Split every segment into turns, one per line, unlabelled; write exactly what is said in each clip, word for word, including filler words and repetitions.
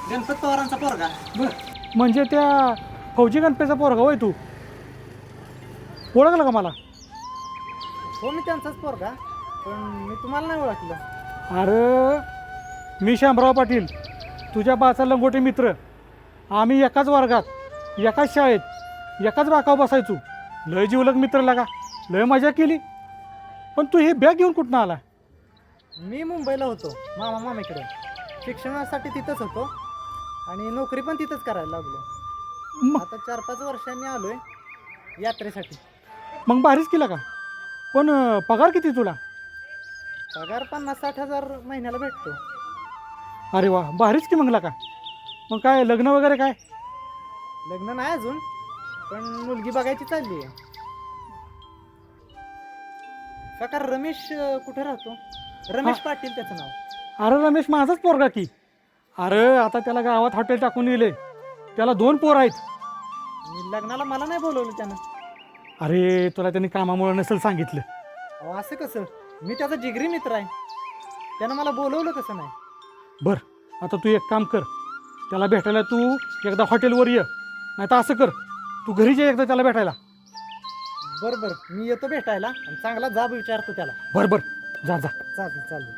गणपत पवारांचा पोरगा.
बर म्हणजे त्या फौजी गणपेचा पोरगा होय तू? ओळखलं का मला?
हो मी त्यांचाच पोरगा, पण मी तुम्हाला नाही ओळखलं.
अरे मी शामराव पाटील, तुझ्या बाचा लंगोटे मित्र. आम्ही एकाच वर्गात, एकाच शाळेत, एकाच बाकावर बसायचो. लय जीवलग मित्र लागा, लय मजा केली. पण तू हे बॅग घेऊन कुठनं आला?
मी मुंबईला होतो मामा मामीकडे, शिक्षणासाठी तिथंच होतो आणि नोकरी पण तिथंच करायला लागलो.
मग
आता चार पाच वर्षांनी आलोय यात्रेसाठी.
मग भारीच केला का? पण अं, पगार किती तुला?
पगार पन्नास साठ हजार महिन्याला भेटतो.
अरे वा, भारीच की मग का. मग काय लग्न वगैरे काय?
लग्न नाही अजून, पण मुलगी बघायची चालली आहे. काका रमेश अं, कुठे राहतो? रमेश
हा.
पाटील त्याचं नाव.
अरे रमेश माझाच पोरगा की. अरे आता त्याला गावात हॉटेल टाकून दिले. त्याला दोन पोर आहेत.
आणि लग्नाला मला नाही बोलवलं त्यानं.
अरे तुला त्यांनी कामामुळे नसेल सांगितलं.
अहो असं कसं? मी त्याचा जिगरी मित्र आहे, त्यानं मला बोलवलं कसं नाही?
बरं आता तू एक काम कर, त्याला भेटायला तू एकदा हॉटेलवर ये, नाही तर असं कर तू घरी जे एकदा त्याला भेटायला.
बरं बरं मी येतो भेटायला आणि चांगला जाब विचारतो त्याला.
बरं बरं जा जा.
चालेल चालेल.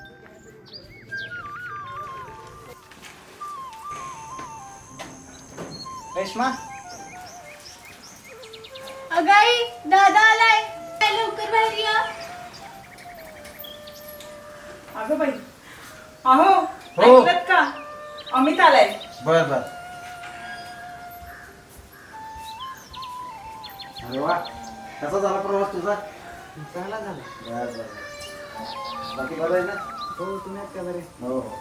रेश्मा,
अगाई दादा आलाय, काय लवकर बाहेर या.
अगं बाई, अहो
हो.
ऐकलत का? अमित आलाय.
बर बर. अरे वा, कसा झाला प्रवास तुझा?
चांगला झाला.
बर बर. बाकी बरं आहे ना?
हो तुम्ही आहेत का बरे?
हो हो.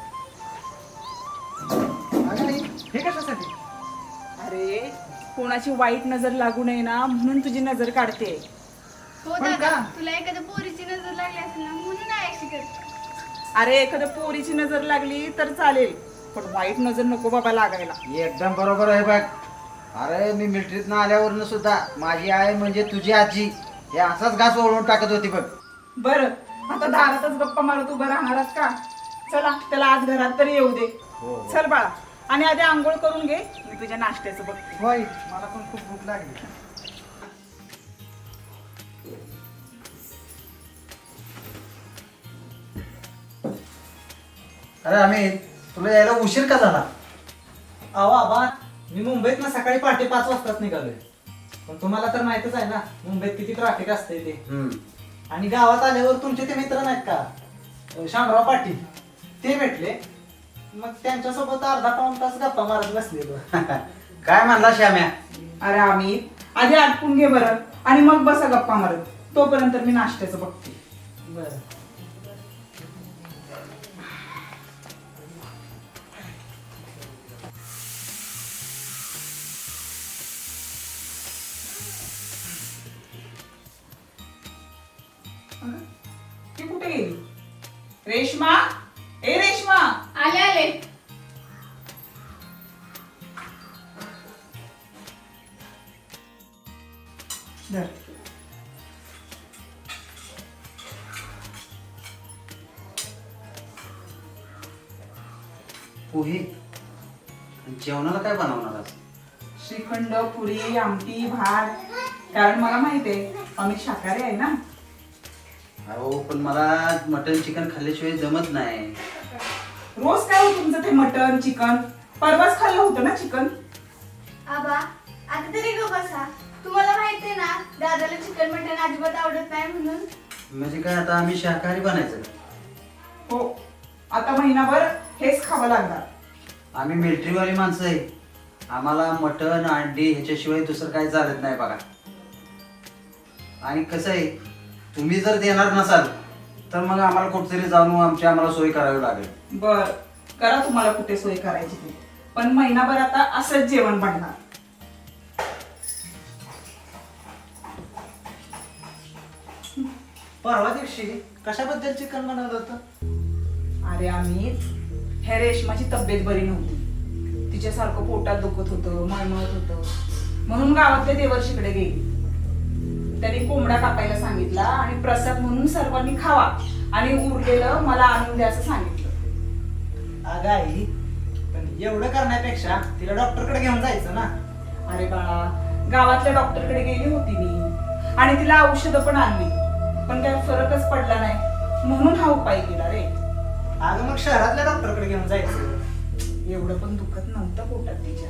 अगं नाही, हे कशासाठी?
अरे कोणाची वाईट नजर लागू नये ना म्हणून तुझी नजर काढते.
हो
पण
दादा,
का?
तुला एखाद्या पोरीची नजर लागली असेल ना म्हणून नाही अशी करते.
अरे एखाद्या पोरीची नजर लागली तर चालेल, पण वाईट नजर नको बाबा लागायला.
एकदम बरोबर आहे बघ. अरे मी मिलिटरीतनं आल्यावरनं सुद्धा माझी आई म्हणजे तुझी आजी हे असाच घास ओढून टाकत होती बघ.
बरं आता दारातच गप्पा मारत उभं राहणारच का? चला त्याला आज घरात तरी येऊ दे.
हो, हो.
चल बाळा, आणि आधी आंघोळ करून घे, मी तुझ्या नाश्त्याचं बघते.
होय मला पण खूप भूक लागली.
अरे आम्ही तुला यायला उशीर का झाला?
अहो आबा, मी मुंबईत ना सकाळी पहाटे पाच वाजताच निघालोय. पण तुम्हाला तर माहितच आहे ना मुंबईत किती ट्रॅफिक असते ते.
हम्म.
आणि गावात आल्यावर तुमचे ते मित्र नाहीत का, अं, शामराव पाटील, ते भेटले. मग त्यांच्यासोबत अर्धा पाऊण तास गप्पा मारत बसलेलो.
काय म्हणला श्याम्या?
अरे अमित, आधी आटपून घे बरं, आणि मग बसा गप्पा मारत. तोपर्यंत मी नाश्त्याचं बघते.
बरं.
ती कुठे गेली? रेश्मा, ए रेश्मा.
आले आले.
धर.
पोहे. जेवणाला काय बनवणार आज?
श्रीखंड, पुरी, आमटी, भात. कारण मला माहिती आहे अमित शाकाहारी आहे ना.
अहो पण मला मटन चिकन खाल्ल्याशिवाय जमत नाही.
रोज काय हो तुमचं ते मटन चिकन? परवाच खाल्लं होतं ना चिकन.
आबा आता तरी गो बसा. तुम्हाला माहितीये ना दादाला चिकन मटन अजिबात आवडत नाही म्हणून.
म्हणजे काय आता आम्ही शाकाहारी बनायचं?
हो, आता महिनाभर हेच खावं लागणार.
आम्ही मिलिटरीवाली माणसं आहे, आम्हाला मटन अंडी ह्याच्याशिवाय दुसरं काही चालत नाही बघा. आणि कसं आहे, तुम्ही जर देणार नसाल तर मग आम्हाला कुठेतरी जाऊन आमची आम्हाला सोय करावी लागेल.
बर, करा तुम्हाला कुठे सोय करायची ती, पण महिनाभर आता असंच जेवण बनणार.
परवा दिवशी कशाबद्दल चिकन बनवलं होतं?
अरे अमित, ह्या रेशमाची तब्येत बरी नव्हती. तिच्यासारखं पोटात दुखत होतं, मळमळत होतं, म्हणून गावातल्या देवर्षीकडे गेली. त्यांनी कोंबडा कापायला सांगितला आणि प्रसाद म्हणून सर्वांनी खावा आणि उरलेलं मला आणून द्या असं सांगितलं.
अगं आई, पण एवढं करण्यापेक्षा तिला डॉक्टरकडे घेऊन जायचं ना.
अरे बाळा, गावातल्या डॉक्टरकडे गेली होती मी आणि तिला औषधं पण आणली, पण काही फरकच पडला नाही, म्हणून हा उपाय केला रे.
अगं मग शहरातल्या डॉक्टरकडे घेऊन जायचं.
एवढं पण दुखत नव्हतं पोटात तिच्या.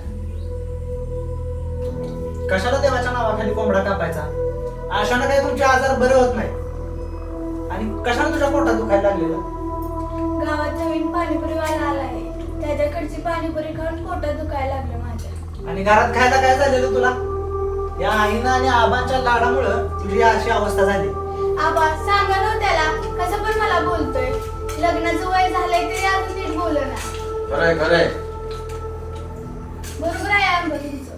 कशाला देवाच्या नावाखाली कोंबडा कापायचा? अशानं काही तुमचे आजार बरे होत नाही. आणि कशाला तुझ्या पोटात दुखायला लागलेलं?
गावात नवीन पाणीपुरीवाला आला आहे, त्याच्याकडची पाणीपुरी खाऊन पोटात दुखायला लागलं माझ्या.
आणि घरात खायला काय झालेलं तुला? या आईनं आणि आबांच्या लाडामुळं तुझी अशी अवस्था झाली.
आबा सांगा ना त्याला, कसं पण मला बोलतोय. लग्नाचं वय झालंय तरी अजून नीट बोलना.
खरंय खरंय.
बरोबर आहे आंबा तुमचं.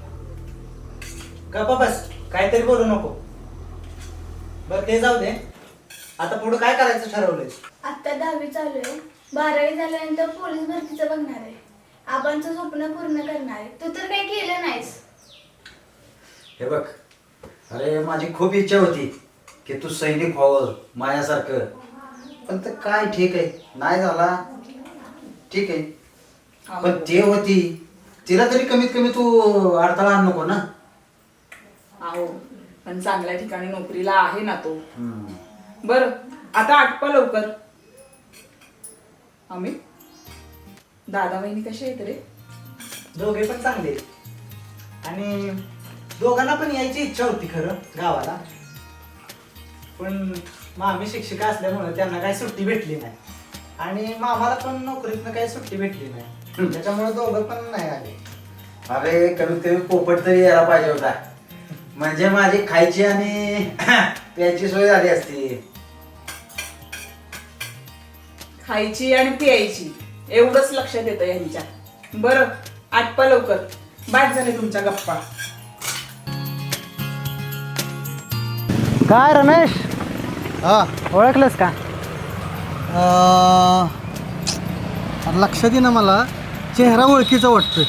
गप्पा बस, काहीतरी बोलू नको. बरं ते जाऊ दे, आता पुढे काय करायचं ठरवलंय?
आता दहावी चालू आहे, बारावी झाल्यानंतर पोलीस भरतीचं बघणार आहे. आबांचं स्वप्न पूर्ण करणार आहे. तू तर काही केलं नाहीस.
हे बघ, अरे माझी खूप इच्छा होती की तू सैनिक व्हावं माझ्यासारखं, पण ते काय ठीक आहे, नाही झाला ठीक आहे. पण ते होती, तिला तरी कमीत कमी तू अडथळा आणू नको ना.
आहो, पण चांगल्या ठिकाणी नोकरीला आहे ना तो.
हम्म.
बर, आता आटपा लवकर. अमित, दादा वहिनी कशा आहेत रे?
दोघे पण चांगले. आणि दोघांना पण यायची इच्छा होती खरं गावाला, पण मामी शिक्षिका असल्यामुळे त्यांना काही सुट्टी भेटली नाही. आणि मामाला पण नोकरीतनं काही सुट्टी भेटली नाही, त्याच्यामुळे दोघं पण नाही आले.
अरे कमीत कमी पोपट तरी यायला पाहिजे होता, म्हणजे माझी खायची आणि प्यायची सोय झाली असती.
खायची आणि प्यायची एवढंच लक्षात येतं यांच्या. बरं, आटपा लवकर, बाद झाले तुमच्या गप्पा.
काय रमेश,
हा
ओळखलंस का?
लक्षात ये ना, मला चेहरा ओळखीचा वाटतोय.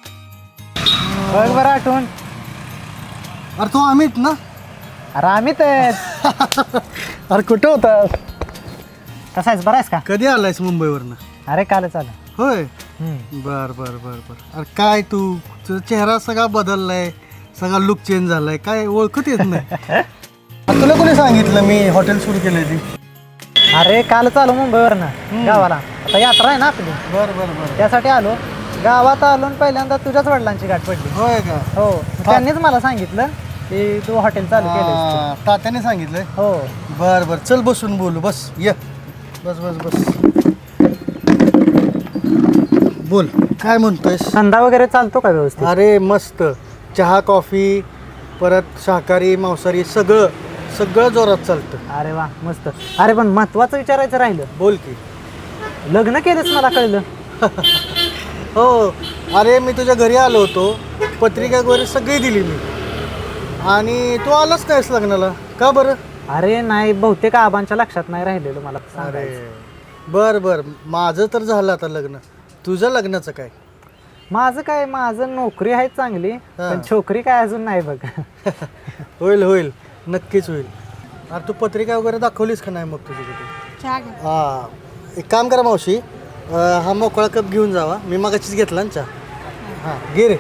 बघ बरं आठवण.
अरे तो अमित ना?
अरे अमित
अरे कुठं होतास?
कसा आहेस, बरा आहेस का?
कधी आलायस मुंबईवरनं?
अरे कालच आलं.
होय. बर बर बर बर. अरे काय तू, तुझा चेहरा सगळा बदललाय, सगळा लुक चेंज झालाय, काय ओळखत येत नाही. तुला कोणी सांगितलं मी हॉटेल सुरू केलंय ती?
अरे कालच आलो मुंबईवरनं गावाला. आता यात्रा आहे ना आपली,
बर बर बर.
त्यासाठी आलो. गावात आलो आणि पहिल्यांदा तुझ्याच वडिलांची गाठ पडली.
होय का?
हो, त्यांनीच मला सांगितलं की तू हॉटेल चालू केलंस.
हा, तात्याने सांगितलंय.
हो.
बर बर, चल बसून बोलू. बस ये, बस बस बस. बोल, काय म्हणतोयस?
धंदा वगैरे चालतो का व्यवस्थित?
अरे मस्त, चहा कॉफी, परत शाकाहारी मांसाहारी सगळं सगळं जोरात चालतं.
अरे वा, मस्त. अरे पण महत्वाचं विचारायचं राहिलं.
बोल की.
लग्न केलंच मला कळलं.
हो, अरे मी तुझ्या घरी आलो होतो, पत्रिका वगैरे सगळी दिली मी, आणि तू आलाच नाहीस लग्नाला, का बरं?
अरे नाही, बहुतेक आबांच्या लक्षात नाही राहिलेलं मला
अरे
सांगायचं.
बर बर, माझं तर झालं आता लग्न, तुझं लग्नाचं काय?
माझं काय, माझं नोकरी आहे चांगली, पण छोकरी काय अजून नाही बघ.
होईल होईल, नक्कीच होईल. अरे तू पत्रिका वगैरे दाखवलीस का नाही मग तुझी कुठे? हा, एक काम करा मावशी, अं, हा मोकळा कप घेऊन जावा, मी मगाशीच घेतला ना चहा. हां घे रे.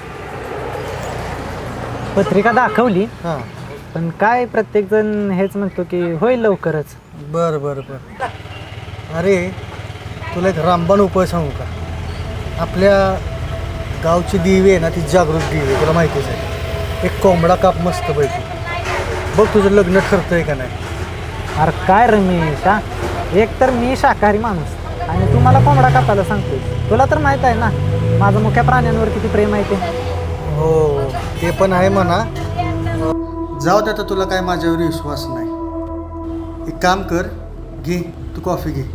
पत्रिका दाखवली,
हां
पण काय प्रत्येक जण हेच म्हणतो की होईल लवकरच.
बरं बरं बरं. अरे तुला एक रामबाण उपाय सांगू का? आपल्या गावची देवी आहे ना, ती जागृत देवी आहे, तुला माहितीच आहे. एक कोंबडा काप मस्त पैकी, बघ तुझं लग्न ठरतंय का नाही.
अरे काय रमेश, हा, एक तर मी शाकाहारी माणूस आणि तू मला कोंबडा कापायला सांगतोय. तुला तर माहित आहे ना माझं मुख्या प्राण्यांवर किती प्रेम आहे ते.
हो ते पण आहे म्हणा. जाऊ दे, आता तुला काय माझ्यावर विश्वास नाही. एक काम कर, घे तू कॉफी घे.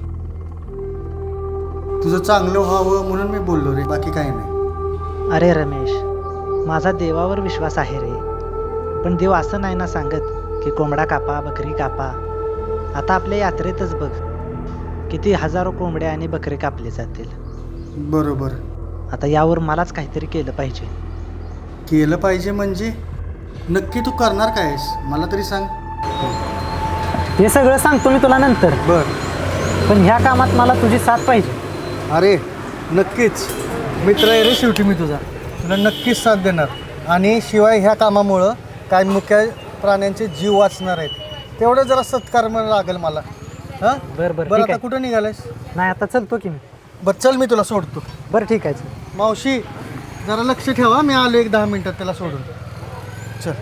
तुझं चांगलं व्हावं म्हणून मी बोललो रे, बाकी काही नाही.
अरे रमेश, माझा देवावर विश्वास आहे रे, पण देव असं नाही ना सांगत की कोंबडा कापा, बकरी कापा. आता आपल्या यात्रेतच बघ किती हजारो कोंबड्या आणि बकरे कापले जातील.
बरोबर.
आता यावर मलाच काहीतरी केलं पाहिजे.
केलं पाहिजे म्हणजे नक्की तू करणार काय आहेस मला तरी सांग.
ते सगळं सांगतो मी तुला नंतर,
बर.
पण ह्या कामात मला तुझी साथ पाहिजे.
अरे नक्कीच.
मित्र आहे रे शेवटी मी तुझा, तुला नक्कीच साथ देणार. आणि शिवाय ह्या कामामुळं काय मुख्य प्राण्यांचे जीव वाचणार आहेत, तेवढं जरा सत्कर्म लागेल मला. हां
बरं बरं
बरं
ठीक
आता
आहे.
कुठं निघालायस?
नाही आता चलतो की मी.
बरं चल मी तुला सोडतो.
बरं ठीक आहे.
मावशी जरा लक्ष ठेवा, मी आलो एक दहा मिनिटात त्याला सोडून. चल.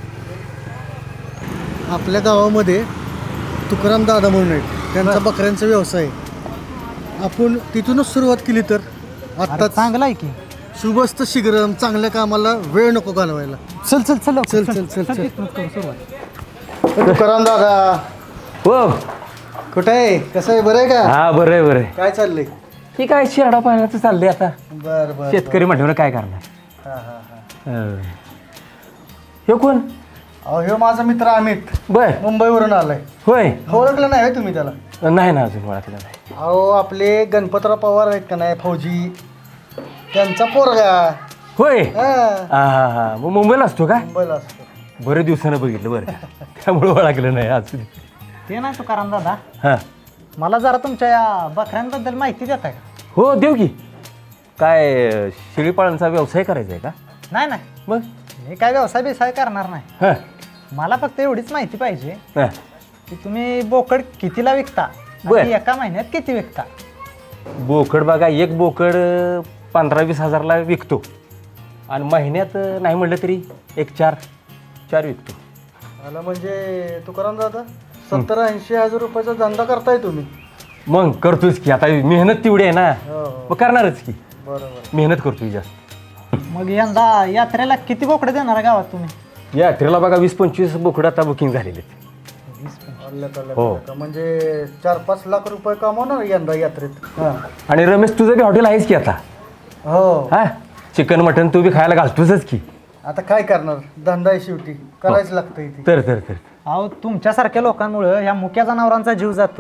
आपल्या गावामध्ये तुकाराम दादा म्हणून आहेत, त्यांचा बकऱ्यांचा व्यवसाय आहे. आपण तिथूनच सुरुवात केली तर आत्ता
चांगला आहे की.
शुभस्त शीघ्रम, चांगल्या कामाला वेळ नको घालवायला.
चल चल चल
चल चल चल चल.
तिथूनच करू सुरुवात.
तुकाराम दादा
हो
कुठं आहे? कसं आहे? बरं आहे का?
हा बरं आहे बरं आहे.
काय चाललंय?
ही काय शेरडा पाण्याचं चाललंय आता.
बरं बरं.
शेतकरी म्हटल्यावर काय करणार.
हां हां हां.
हं. ह्यो कोण?
अहो ह्यो माझा मित्र अमित,
बर
मुंबईवरून आलाय.
होय.
ओळखलं नाही होय तुम्ही त्याला?
नाही ना अजून ओळखलं नाही.
अहो आपले गणपतराव पवार आहेत का नाही, फौजी, त्यांचा पोरगा.
होय.
हां,
हा हा हा मग मुंबईला असतो का?
मुंबईला असतो.
बरेच दिवसानं बघितलं बरं त्यामुळे ओळखलं नाही आज.
ते नाही तुकाराम दादा,
हां
मला जरा तुमच्या या बकऱ्यांबद्दल माहिती देताय का?
हो देऊ की. काय शेळीपाळनचा व्यवसाय करायचा आहे का?
नाही नाही,
मग
मी काय व्यवसाय बिवसाय करणार नाही.
हां
मला फक्त एवढीच माहिती पाहिजे
हां
की तुम्ही बोकड कितीला विकता
बर.
आणि एका महिन्यात किती विकता?
बोकड बघा, एक बोकड पंधरा वीस हजारला विकतो आणि महिन्यात नाही म्हटलं तरी एक चार चार विकतो.
आला म्हणजे तुकाराम दादा सत्तर ऐंशी हजार रुपयाचा धंदा करताय तुम्ही.
मग करतोच की, आता मेहनत तेवढी आहे ना,
हो हो
मग करणारच की.
बरोबर.
मेहनत करतोय जास्त.
मग यंदा यात्रेला किती बोकडे देणार गावात तुम्ही?
यात्रेला बघा वीस पंचवीस बोकडं आता बुकिंग झालेले आहेत.
आलं का, आलं
हो.
का? म्हणजे चार पाच लाख रुपये कमावणार यंदा यात्रेत. हां
आणि रमेश तुझं बी हॉटेल आहेच की आता.
हो.
हा चिकन मटन तू बी खायला घालतोच की.
आता काय करणार, धंदा आहे शेवटी, करायच लागतं इथे.
तर तर तर
अहो तुमच्यासारख्या लोकांमुळे ह्या मुक्या जनावरांचा जीव जातो.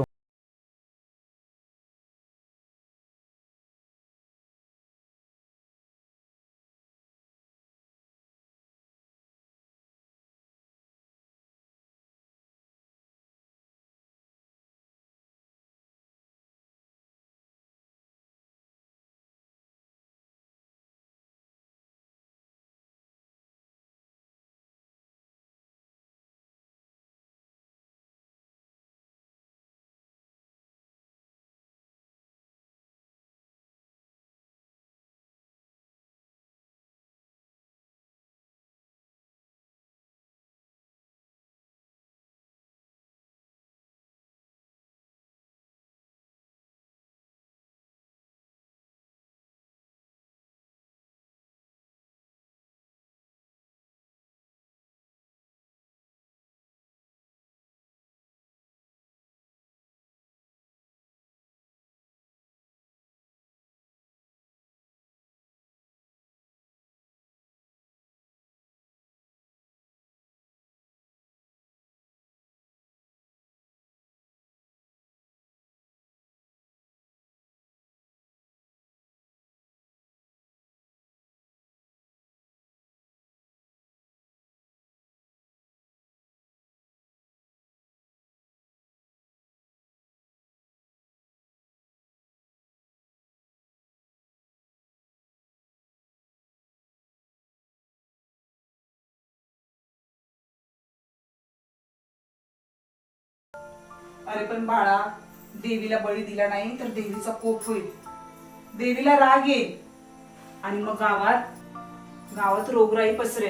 अरे पण बाळा, देवीला बळी दिला नाही तर देवीचा कोप होईल, देवीला राग येईल आणि मग गावात गावात रोगराई पसरेल.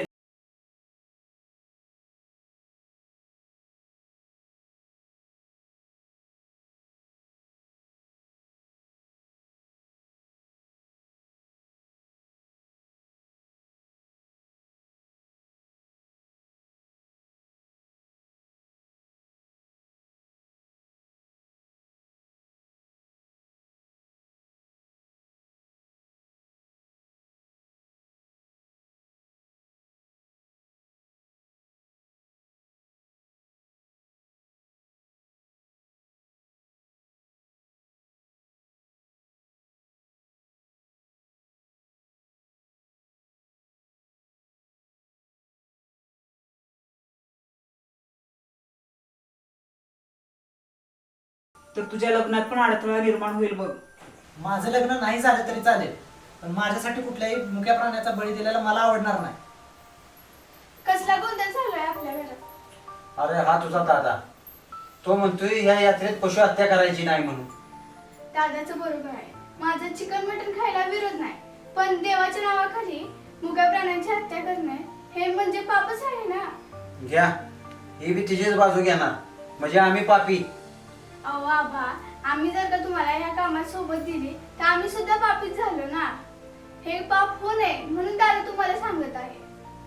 तर तुझ्या लग्नात पण अडथळा निर्माण होईल बघ.
माझं लग्न नाही झालं तरी चालेल, पण माझ्यासाठी कुठल्याही मुक्या प्राण्याचा बळी दिलेला मला आवडणार नाही.
कसला गोंधळ चालू आहे आपल्या घरात?
अरे हा तुझा दादा, तो म्हणतोय ह्या यात्रेत पशु हत्या करायची नाही म्हणून.
दादाचं बरोबर आहे. माझं चिकन मटन खायला विरोध नाही, पण देवाच्या नावाखाली मुक्या प्राण्यांची हत्या करणे हे म्हणजे पापच आहे ना.
घ्या, ही बी तिचीच बाजू घेणार म्हणजे आम्ही पापी.
अहो आबा, आम्ही जर का तुम्हाला ह्या कामात सोबत दिली तर आम्ही सुद्धा पापीच झालो ना. हे पाप होऊ नये म्हणून दादा तुम्हाला सांगत आहे.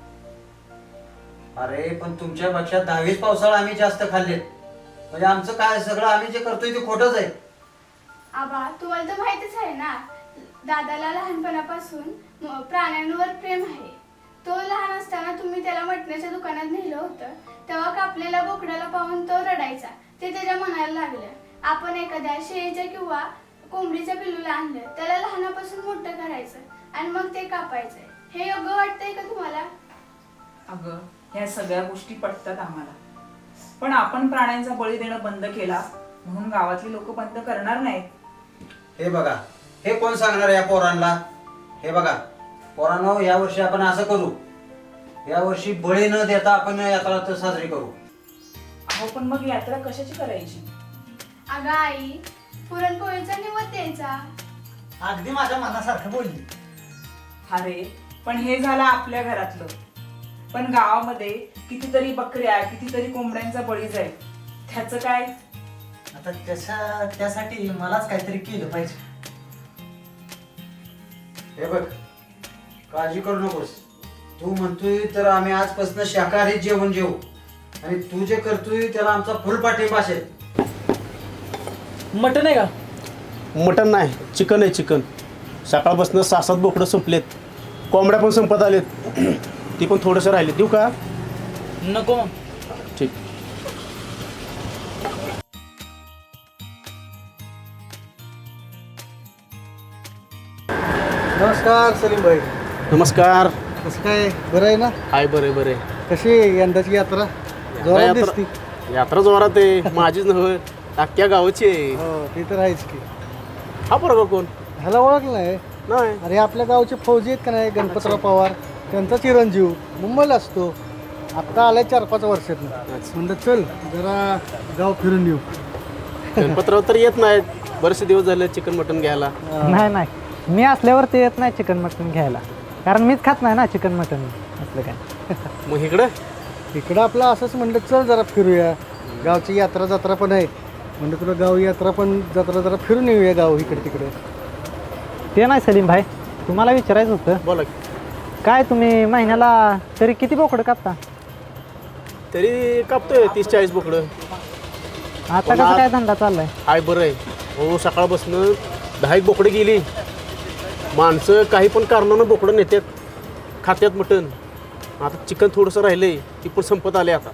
अरे पण तुमच्यापेक्षा दहावीस पावसाळा आम्ही जास्त खाल्लेत, म्हणजे आमचं काय सगळं आम्ही जे करतोय ते खोटंच आहे.
आबा, तुम्हाला तर माहितच आहे ना, दादाला लहानपणापासून म- प्राण्यांवर प्रेम आहे. तो लहान असताना तुम्ही त्याला मटणाच्या दुकानात नेलं होतं, तेव्हा कापलेल्या बोकडाला पाहून तो रडायचा. ते त्याच्या मनाला लागलं. आपण एखाद्या शेळीच्या किंवा कोंबडीच्या पिल्लूला आणलं, त्याला लहानापासून मोठं करायचं आणि मग ते कापायचं. हे योग्य वाटतंय का तुम्हाला?
अगं, ह्या सगळ्या गोष्टी पटतात आम्हाला, पण आपण प्राण्यांचा बळी देणं बंद केला म्हणून गावातली लोक बंद करणार नाहीत.
हे बघा, हे कोण सांगणार या पोरांना? हे बघा पोरांनो, या वर्षी आपण असं करू, या वर्षी बळी न देता आपण यात्रा तर साजरी करू.
अहो पण मग यात्रा कशाची करायची?
अगं आई, पुरणपोळीचा निवद द्यायचा.
अगदी माझ्या मनासारखं बोलली.
अरे पण हे झालं आपल्या घरातलं, पण गावामध्ये कितीतरी बकऱ्या कितीतरी कोंबड्यांचा बळी जाईल, त्याचं काय?
आता त्याच्या त्यासाठी मलाच काहीतरी केलं पाहिजे.
हे बघ, काळजी करू नकोस. तू म्हणतोय तर आम्ही आजपासून शाकाहारी जेवण जेवू, आणि तू जे करतोय त्याला आमचा फुल पाठिंबा असेल.
मटन आहे का?
मटन नाही, चिकन आहे. चिकन सकाळपासून सहा सात बोकडं संपलेत, कोंबड्या पण संपत आलेत, ती पण थोडंसं राहिले. देऊ का?
नको मग.
ठीक.
नमस्कार सलीम भाई.
नमस्कार.
कसं काय, बरं आहे ना?
हाय, बरे बरे.
कशी आहे यंदाची यात्रा? जोरात दिसती.
यात्रा जोरात आहे. माझीच नव्हे, अख्ख्या गावाची आहे.
हो, ते तर आहेच की.
हा बरोबर कोण?
ह्याला ओळखलं नाही?
नाही.
अरे आपल्या गावचे फौजी आहेत का नाही, गणपतराव पवार, त्यांचा चिरंजीव मुंबईला असतो. आत्ता आलाय चार पाच वर्षात. म्हणलं चल जरा गाव फिरून येऊ.
गणपतराव तर येत नाहीत, बरेचसे दिवस झाले चिकन मटन घ्यायला.
नाही नाही, मी असल्यावर ते येत नाही चिकन मटन घ्यायला, कारण मीच खात नाही ना चिकन मटन असलं काय.
मग इकडं
इकडं आपलं असंच म्हणलं चल जरा फिरूया, गावची यात्रा जत्रा पण आहे, म्हणजे तुला गाव यात्रा पण जत्रा जरा फिरून येऊया गाव इकडे तिकडे.
ते नाही सलीम भाई, तुम्हाला विचारायचं होतं.
बोला.
काय तुम्ही महिन्याला तरी किती बोकडं कापता?
तरी कापतोय तीस चाळीस बोकडं.
आता कसं काय धंदा चाललाय?
हाय, बरं आहे. हो, सकाळपासून दहा एक बोकडं गेली. माणसं काही पण कारणानं बोकडं नेतात, खात्यात मटण. आता चिकन थोडंसं राहिलंय, ती पण संपत आले आता.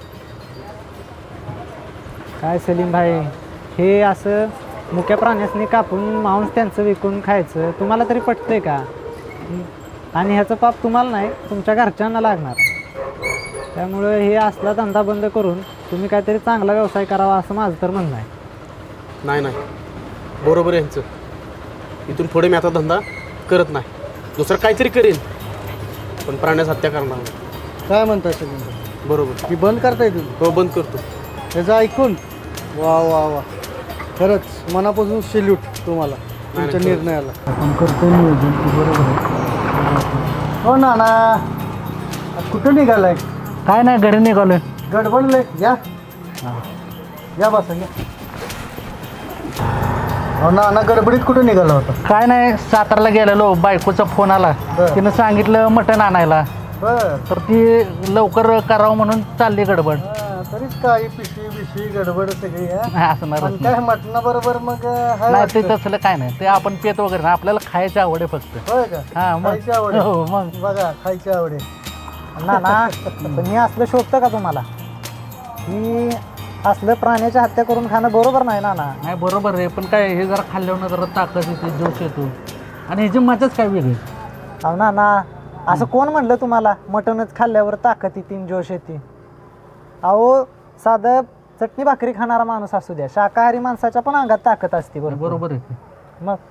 काय सलीम भाई, हे असं मुक्या प्राण्यासनी कापून मांस त्यांचं विकून खायचं तुम्हाला तरी पटतंय का? आणि ह्याचं पाप तुम्हाला नाही, तुमच्या घरच्यांना लागणार. त्यामुळे हे असला धंदा बंद करून तुम्ही काहीतरी चांगला व्यवसाय करावा असं माझं तर म्हणणं आहे.
नाही नाही, बरोबर आहे यांचं. इथून पुढे मी आता धंदा करत नाही, दुसरं काहीतरी करेन, पण प्राण्यास हत्या करणार नाही.
काय म्हणताय सगळं?
बरोबर.
की बंद करताय तुम्ही?
हो, बंद करतो.
त्याचं ऐकून वा वा वा, खरंच मनापासून सेल्यूट तुम्हाला, तुमच्या
नाही,
निर्णयाला.
आपण करतो नियोजन, बरोबर आहे.
हो ना ना, कुठं निघालाय?
काय नाही, घरी निघालोय.
गडबडलंय, या या बसा या. हो ना ना, गडबडीत कुठं निघाला होता?
काय नाही, सातारला गेलेलो, बायकोचा फोन आला,
बरं.
तिनं सांगितलं मटण आणायला,
बर.
तर ती लवकर करावं म्हणून चालली गडबड.
हा, तरीच काही पिशवी बिशवी गडबड सगळी हा?
असणार
पण काय मटणाबरोबर मग हाय
नाही, ते
वाटतं.
तसलं काय नाही, ते आपण पेत वगैरे नाही, आपल्याला खायची आवड आहे फक्त.
होय का?
हा, मग.
खायची आवड आहे.
हो, मग.
बघा, खायची आवड आहे.
ना ना, पण हे असलं शोभतं का तुम्हाला? ही असलं प्राण्याची हत्या करून खाणं बरोबर नाही ना ना. नाही बरोबर आहे, पण काय हे जरा खाल्ल्यावर जरा ताकद येते, जोश येतो, आणि ह्याची मजाच काय वेगळी. अहो ना ना, असं कोण म्हणलं तुम्हाला मटणच खाल्ल्यावर ताकद येते, जोश येते? अहो, साधं चटणी भाकरी खाणारा माणूस असू द्या, शाकाहारी माणसाच्या पण अंगात ताकद असते. बरोबर आहे. मग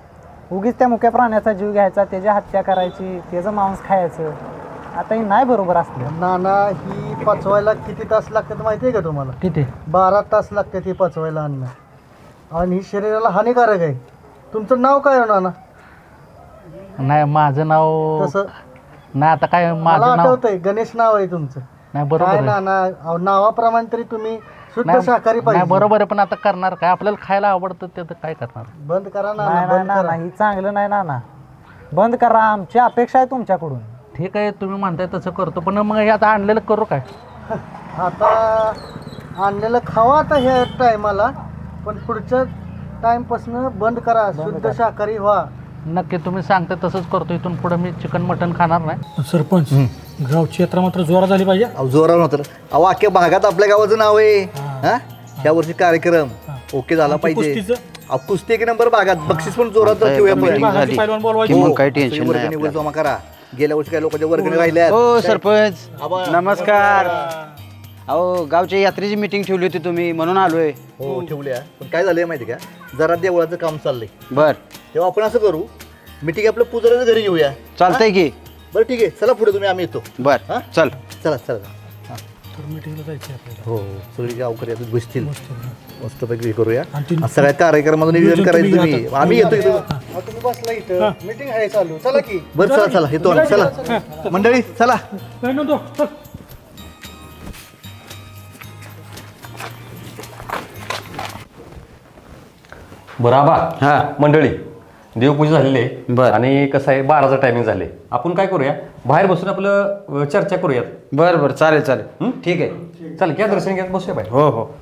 उगीच त्या मुक्या प्राण्याचा जीव घ्यायचा, त्याची हत्या करायची, त्याचं मांस खायचं. आता हे नाही बरोबर असलं.
नाना ही पचवायला किती तास लागतात माहिती आहे का तुम्हाला?
किती?
बारा तास लागतात ही पचवायला अन्न, आणि ही शरीराला हानिकारक आहे. तुमचं नाव काय आहे नाना?
नाही माझं नाव
तसं
नाही, आता काय
मला
माझं नाव
आठवतंय, गणेश नाव आहे तुमचं.
नाही
काय
बरोबर आहे.
नाना, अहो, नावाप्रमाणे तरी तुम्ही शुद्ध
नाही
शाकाहारी
नाही,
पाहिजे.
बरोबर आहे, पण आता करणार काय? आपल्याला खायला आवडतं ते तर काय करणार?
बंद करा
नाही
नाना,
नाही
बंद
ना,
करा.
नाही चांगलं नाही ना ना, बंद करा. आमची अपेक्षा आहे तुमच्याकडून. ठीक आहे, तुम्ही म्हणताय तसं करतो, पण मग हे आता आणलेलं करू काय?
आता आणलेलं खावा आता ह्या टायमाला, पण पुढच्या टाइमपासून बंद करा, शुद्ध शाकाहारी व्हा.
नक्की तुम्ही सांगता तसंच करतो. इथून पुढे मी चिकन मटन खाणार नाही.
सरपंच, गावची यात्रा मात्र जोरात झाली पाहिजे.
अहो जोरावर नव्हतं. अहो अख्ख्या भागात आपल्या गावाचं नाव आहे. हा ह्या वर्षी कार्यक्रम ओके झाला पाहिजे.
कुस्तीचं?
अहो कुस्ती एक नंबर भागात, बक्षीस पण जोरात ठेवूया आपण.
भागाची पैलवान बोलवायची.
हो,
काही टेन्शन
सगळी वर्गणी वर जमा करा. गेल्या वर्षी काही लोकांच्या वर्गणी राहिल्या.
हो सरपंच,
आबा.
नमस्कार. अहो गावच्या यात्रेची मीटिंग ठेवली होती तुम्ही, म्हणून आलोय.
हो ठेवल्या, पण काय झालंय माहिती का, जरा देवळाचं काम चाललंय.
बर,
तेव्हा आपण असं करू, मीटिंग आपलं पुजाऱ्याच्या घरी घेऊया.
चालतंय की.
बरं ठीक आहे, चला पुढे तुम्ही, आम्ही येतो.
बर
हा?
चल.
चला चला.
तर मीटिंगला जायचं आहे आपल्याला.
हो सगळी गावकरी आता बसतील, मस्तपैकी हे करूया.
आणि ती-
आज सगळ्या कार्यक्रमाचं नियोजन करायचं
तुम्ही
तुम्ही.
आता.
आम्ही येतो इथं.
अहो, तुम्ही बसला इथं, मीटिंग आहे चालू, चला की.
बरं चला चला येतो आम्ही. चला मंडळी चला.
नाही नव्हतो, चल.
बरं आबा.
हा.
मंडळी, देवपूजा झालेली आहे
बरं.
आणि कसं आहे बाराचं टायमिंग झाले. आपण काय करूया, बाहेर बसून आपलं अ, चर्चा करूयात.
बर बर, चालेल चालेल.
हं?
ठीक आहे.
चल घ्या दर्शन घ्या, बसूया बाहेर.
हो हो.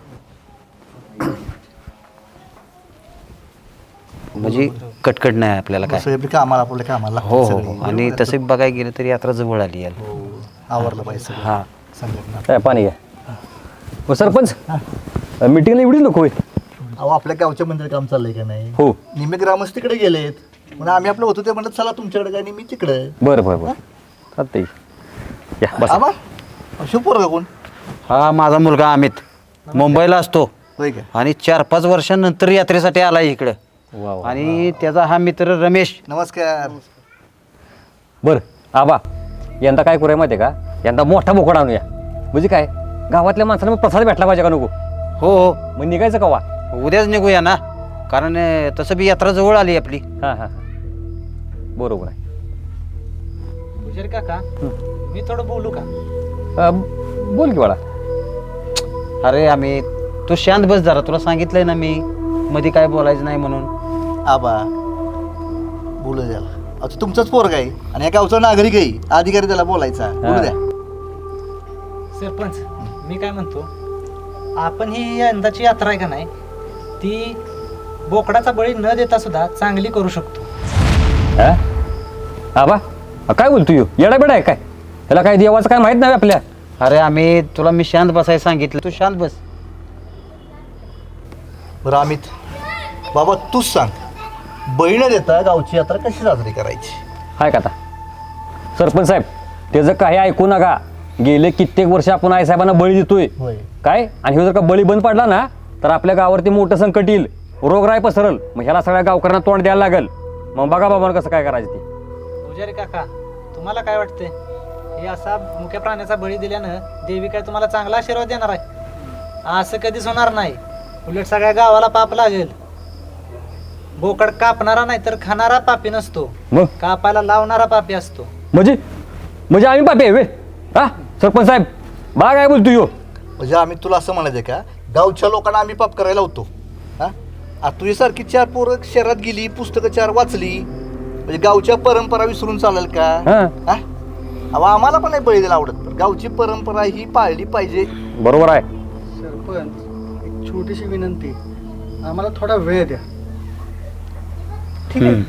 म्हणजे कटकट नाही आपल्याला काय.
सगळे कामाला आपल्या कामाला
हो हो हो. आणि तसे बघायला गेलं तरी यात्रा जवळ आली यार.
आवरलं पाहिजे सगळं.
हा.
संघटना.
काय पाणी घ्या. हो सरपंच, मीटिंगला एवढीच नको होय.
अहो आपल्या गावच्या मंदिर काम चाललंय का नाही?
हो.
निम्मे ग्रामस्थ तिकडे गेलेत, म्हणून आम्ही आपलं होतो ते म्हणत चला तुमच्याकडे काय, आणि मी तिकडे.
बरं बरं बरं, चालतंय. या बसा.
आबा शिवपूर का कोण?
हा माझा मुलगा अमित मुंबईला असतो,
होय का?
आणि चार पाच वर्षांनंतर यात्रेसाठी आला इकडं.
वा वा.
आणि त्याचा हा मित्र रमेश.
नमस्कार.
बरं आबा, यंदा काय करूया माहिती आहे का, यंदा मोठा बोकड आणूया. म्हणजे काय, गावातल्या माणसाला मग प्रसाद भेटला पाहिजे का नको?
हो हो,
मग निघायचं कवा?
उद्याच निघूया ना, कारण अं, तसं बी यात्रा जवळ आली आपली.
हां हां बरोबर आहे.
पुजारी काका, मी थोडं बोलू का?
अ, बोल की बाळा.
अरे अमित, तू शांत बस जरा, तुला सांगितलंय ना मी मध्ये काय बोलायचं नाही म्हणून.
आबा बोलू द्याला. अहो तो तुमचाच पोरगा आहे आणि या गावचा नागरिक आहे, अधिकारी त्याला बोलायचा. बोलू द्या.
सरपंच, मी काय म्हणतो, आपण ही यंदाची यात्रा आहे का नाही, ती बोकडाचा बळी न देता सुद्धा चांगली करू शकतो.
हा आबा, अ, काय बोलतो यो, येडा बेडा आहे काय? त्याला काय देवाचं काय माहित नाही आपल्या?
अरे अमित, तुला मी शांत बसायला सांगितलं, तू शांत बस.
बरं अमित, बाबा तूच सांग, बळी न देता गावची यात्रा कशी साजरी करायची?
हाय का आता सरपंच साहेब, त्याचं काही ऐकू नका. गेले कित्येक वर्ष आपण आईसाहेबांना बळी देतोय
होय.
काय, आणि हे जर का बळी बंद पडला ना, तर आपल्या गावावरती मोठं संकट येईल, रोगराई पसरल. मग ह्याला सगळ्या गावकऱ्यांना तोंड द्यायला लागेल. मग बघा बाबा कसं काय करायचं ते.
पुजारी काका, तुम्हाला काय वाटतंय, हे असा मुख्य प्राण्याचा बळी दिल्यानं देवी काय तुम्हाला चांगला आशीर्वाद देणार आहे? असं कधीच होणार नाही. उलट सगळ्या गावाला पाप लागेल. बोकड कापणारा नाही तर खाणारा पापी नसतो,
मग
कापायला लावणारा पापी असतो.
म्हणजे म्हणजे आम्ही पापी आहे वे? हा सरपंच साहेब, बा काय बोलतो यो?
म्हणजे आम्ही तुला असं म्हणायचं का, गावच्या लोकांना आम्ही पाप करायला होतो? हा आता तुझ्यासारखी चार पोरं शहरात गेली, पुस्तकं चार वाचली, म्हणजे गावच्या परंपरा विसरून चालेल का?
हा
हा अहो आम्हाला पण नाही बळी द्यायला आवडत, पण गावची परंपरा ही पाळली पाहिजे.
बरोबर आहे.
सरपंच, एक छोटीशी विनंती, आम्हाला थोडा वेळ द्या.
ठीक आहे.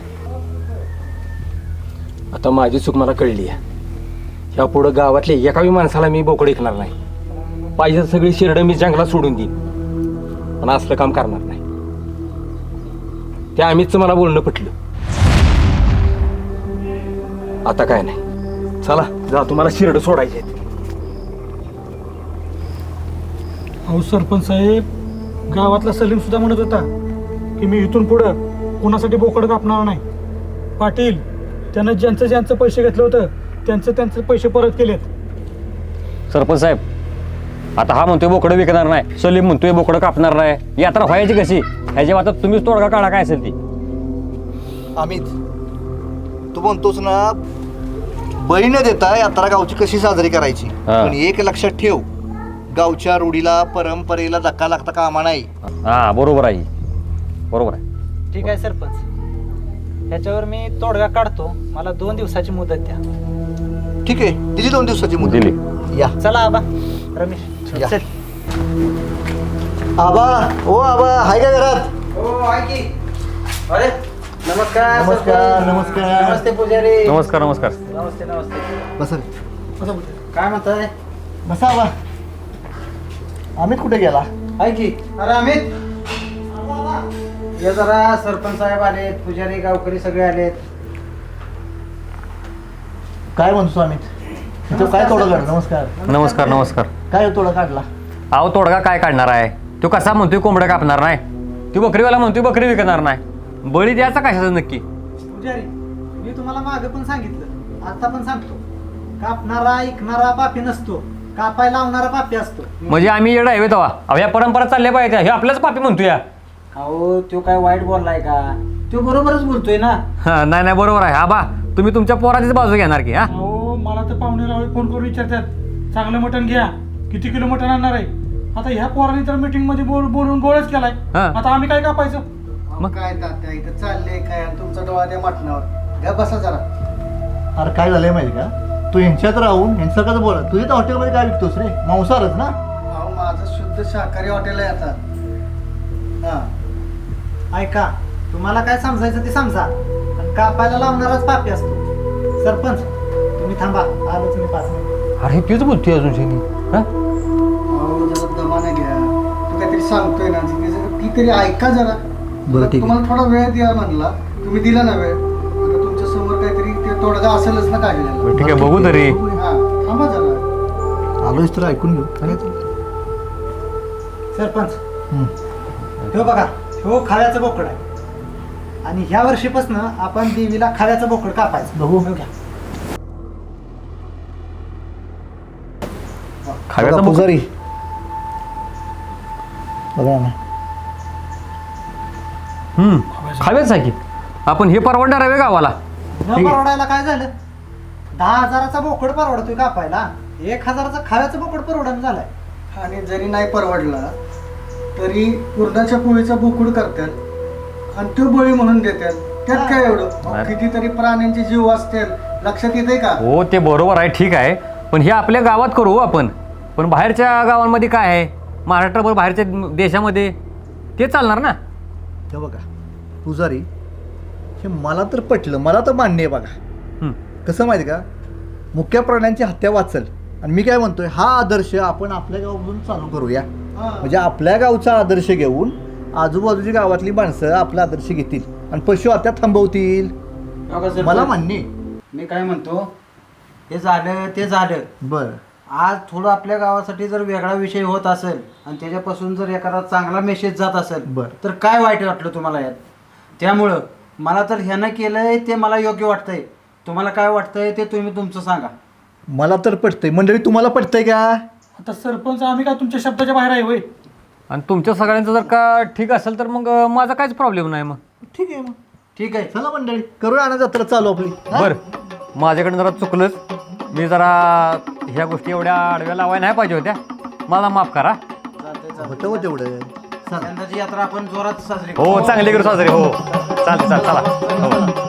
आता माझी चूक मला कळली आहे. ह्या पुढं गावातल्या एकाही माणसाला मी बोकड ऐकणार नाही. पाहिजे तर सगळी शिरडं मी जंगलात सोडून देईन, पण असलं काम करणार नाही. त्या अमितचं मला बोलणं पटलं. आता काय नाही, चला जा, तुम्हाला शिरडं सोडायचे आहेत.
अहो सरपंच साहेब, गावातला सलीम सुद्धा म्हणत होता की मी इथून पुढं कोणासाठी बोकड कापणार नाही. पाटील त्यानं ज्यांचं ज्यांचं पैसे घेतलं होतं त्यांचं त्यांचं पैसे परत केलेत.
सरपंच साहेब आता हा म्हणतोय बोकडं विकणार नाही, सलीम म्हणतोय बोकडं कापणार नाही, यात्रा व्हायची कशी? ह्याच्या आता तुम्हीच तोडगा काढा काय असेल ती.
अमित तू म्हणतोस ना बळी न देता यात्रा गावची कशी साजरी करायची,
हा.
पण एक लक्षात ठेव, गावच्या रूढीला परंपरेला धक्का लागता कामा नाही.
हा बरोबर आहे, बरोबर आहे.
ठीक आहे सरपंच, ह्याच्यावर मी तोडगा काढतो. मला दोन दिवसाची मुदत द्या.
ठीक आहे, दिली दोन दिवसाची मुदत.
दिली.
या
चला आबा रमेश
या.
चल.
आबा ओ आबा हाय का घरात?
हो आहे की. अरे नमस्कार
नमस्कार,
सरपंच.
नमस्कार.
नमस्ते पुजारी.
नमस्कार नमस्कार.
नमस्ते नमस्ते.
बस
काय म्हणताय?
बसा आबा. अमित कुठे गेला?
आहे की. अरे अमित ये जरा, सरपंच साहेब आलेत, पुजारी गावकरी सगळे आलेत.
काय म्हणतो अमित? तो काय तोडा काढला? नमस्कार.
नमस्कार नमस्कार.
काय तोडा काढला?
अहो तोडगा काय काढणार आहे? तो कसा म्हणतोय कोंबडं कापणार नाही, ती बकरीवाला म्हणतोय बकरी विकणार नाही, बळी द्यायचा कशाचं नक्की?
पुजारी मी तुम्हाला मागे पण सांगितलं, आता पण सांगतो, कापणारा ऐकणारा पापी नसतो, कापायला लावणारा पापी असतो.
म्हणजे आम्ही येडा आहे तेव्हा? अहो या परंपरा चालल्या पाहिजे, हे आपल्याच पापी म्हणतोय या.
अहो तो काय वाईट बोललाय का? तो बरोबरच बोलतोय ना.
हा नाही नाही बरोबर आहे. आबा तुम्ही तुमच्या पोराचीच बाजू घेणार की? हा
अहो मला तर पाहुणे रावळे फोन करून विचारतात, चांगलं मटण घ्या, किती किलो मटण आणणार आहे? आता ह्या पोराने तर मीटिंग मध्ये बोल बोलून गोळच केलाय.
हा.
आता आम्ही काय कापायचं?
मग काय तात्या इथं चाललंय काय आणि तुमचा डोळा त्या मटणावर घ्या बसा जरा.
अरे काय झालंय माहिती का, तू यांच्यात राहून यांचं कसं बोला, तुझ्या तर हॉटेलमध्ये काय विकतोस रे? मांसाहारच ना?
अहो माझं शुद्ध शाकाहारी हॉटेल आहे आता. हा
ऐका, तुम्हाला काय समजायचं ते समजा, आणि कापायला लावणाराच पापी असतो. सरपंच तुम्ही थांबा, आलोच मी पाच मिनिट.
अरे तेच बोलतोय अजून शेनी. हा
अहो जरा दमाने घ्या, तू काहीतरी सांगतोय ना ती जरा- ती तरी ऐका जरा.
बरं, ठीक आहे.
तुम्हाला थोडा वेळ द्या म्हणला, तुम्ही दिला ना वेळ. आता तुमच्या समोर काहीतरी ते तोडगा असेलच ना काढलेला.
ठीक आहे बघू तरी.
हा थांबा जरा.
आलोच तर ऐकून घेऊ.
सरपंच
हम्म.
हो बघा, हो खाव्याचं बोकड आहे, आणि ह्या वर्षीपासून आपण देवीला खाव्याचं बोकड कापायचं.
बघू.
हो घ्या.
खाव्याचा
बघा,
बोकड.
पुजारी बघा ना.
हम्म खाव्याच आहे की. आपण हे परवडणार आहे गावाला?
न परवडायला काय झालं? दहा हजाराचा बोकड परवडतोय कापायला, एक हजाराचा खाव्याचं बोकड परवडण झालाय.
आणि जरी नाही परवडला तरी पूर्णाच्या पोळीचा बोकुड करतात आणि तो बळी म्हणून देतात. त्यात काय एवढं?
नाही.
कितीतरी प्राण्यांचे जीव असतील, लक्षात येते का?
हो ते बरोबर आहे, ठीक आहे, पण हे आपल्या गावात करू आपण. पण बाहेरच्या गावांमध्ये काय आहे, महाराष्ट्राभर बाहेरच्या देशामध्ये ते चालणार ना?
हे बघा पुजारी, हे मला तर पटलं, मला तर मान्य आहे. बघा
हम्म.
कसं माहिती का, मुख्य प्राण्यांची हत्या वाचल. आणि मी काय म्हणतोय, हा आदर्श आपण आपल्या गावामधून चालू करूया. म्हणजे आपल्या गावचा आदर्श घेऊन आजूबाजूची गावातली माणसं आपला आदर्श घेतील आणि पशु हत्या थांबवतील.
बघा सरपंच,
मला मान्य आहे.
मी काय म्हणतो, हे झालं ते झालं.
बरं
आज थोडं आपल्या गावासाठी जर वेगळा विषय होत असेल आणि त्याच्यापासून जर एखादा चांगला मेसेज जात असेल,
बरं.
तर काय वाईट वाटलं तुम्हाला यात? त्यामुळं मला तर ह्यानं केलंय ते मला योग्य वाटतंय. तुम्हाला काय वाटतंय ते तुम्ही तुमचं सांगा.
मला तर पटतंय. मंडळी तुम्हाला पटतंय का?
आता सरपंच आम्ही काय तुमच्या शब्दाच्या बाहेर आहे होय?
आणि तुमच्या सगळ्यांचं जर का ठीक असेल तर मग अं, माझा काहीच प्रॉब्लेम नाही. मग
ठीक आहे मग.
ठीक आहे.
चला मंडळी करूया ना जत्रा चालू आपली. हा?
बरं माझ्याकडनं जरा चुकलंच, मी जरा ह्या गोष्टी एवढ्या आडव्या लावायला नाही पाहिजे होत्या, मला माफ करा.
होतं हो तेवढं.
यंदाची यात्रा आपण जोरात साजरी करू.
हो चांगली करू साजरी. हो चालते चालते चला. हो